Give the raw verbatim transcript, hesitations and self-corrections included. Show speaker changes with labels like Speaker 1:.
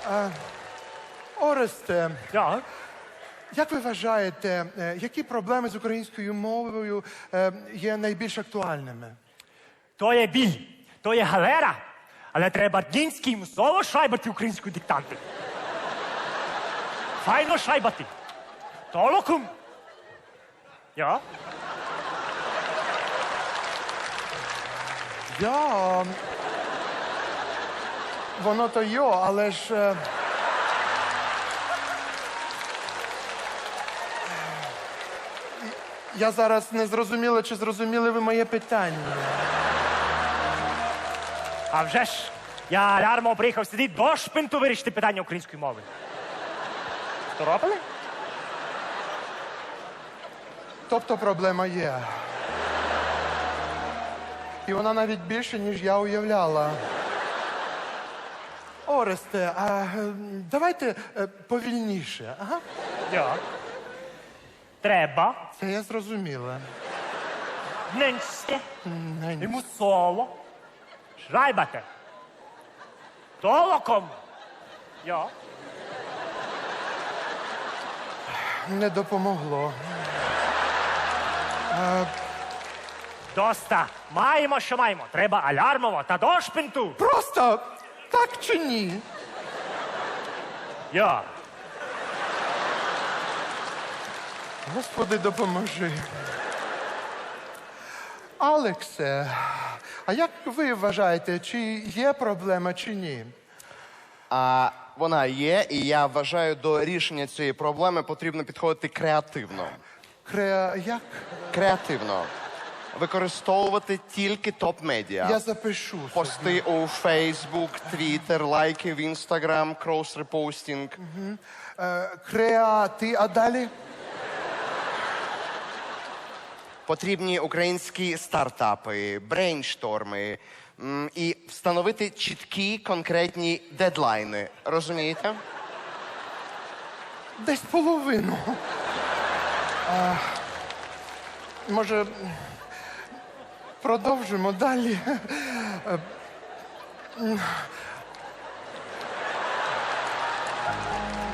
Speaker 1: Оресте,
Speaker 2: Ja.
Speaker 1: як ви вважаєте, е, які проблеми з українською мовою е, є найбільш актуальними?
Speaker 2: То є біль, то є галера, але треба дінський мусово шайбати українську диктанти. Файно шайбати. Толокум. Ja.
Speaker 1: Я... Воно то йо, але ж... е, Я зараз не зрозуміла, чи зрозуміли ви моє питання.
Speaker 2: А вже ж, я лярмо приїхав сюди до шпинту вирішити питання української мови. Що робили?
Speaker 1: Тобто проблема є. І вона навіть більше, ніж я уявляла. Оресте, а е, давайте е, повільніше. Ага.
Speaker 2: Ja. Треба
Speaker 1: Це я зрозуміла.
Speaker 2: неньсте
Speaker 1: Нень.
Speaker 2: і мусово шайбати. Толоком. Ja.
Speaker 1: Не допомогло.
Speaker 2: Доста. Маємо, що маємо. Треба алярмово та до шпинту.
Speaker 1: Просто так чи ні?
Speaker 2: Ja.
Speaker 1: Господи, допоможи. Алексе, а як ви вважаєте, чи є проблема, чи ні?
Speaker 3: А вона є, і я вважаю, до рішення цієї проблеми потрібно підходити креативно.
Speaker 1: Креа... Як?
Speaker 3: Креативно. Використовувати тільки топ-медіа.
Speaker 1: Я запишу собі.
Speaker 3: Пости у Facebook, Twitter, лайки в Instagram, крос-репостінг.
Speaker 1: Е, креати, а далі?
Speaker 3: Потрібні українські стартапи, брейншторми м, і встановити чіткі конкретні дедлайни. Розумієте?
Speaker 1: Десь половину. А, може, продовжимо далі? Е,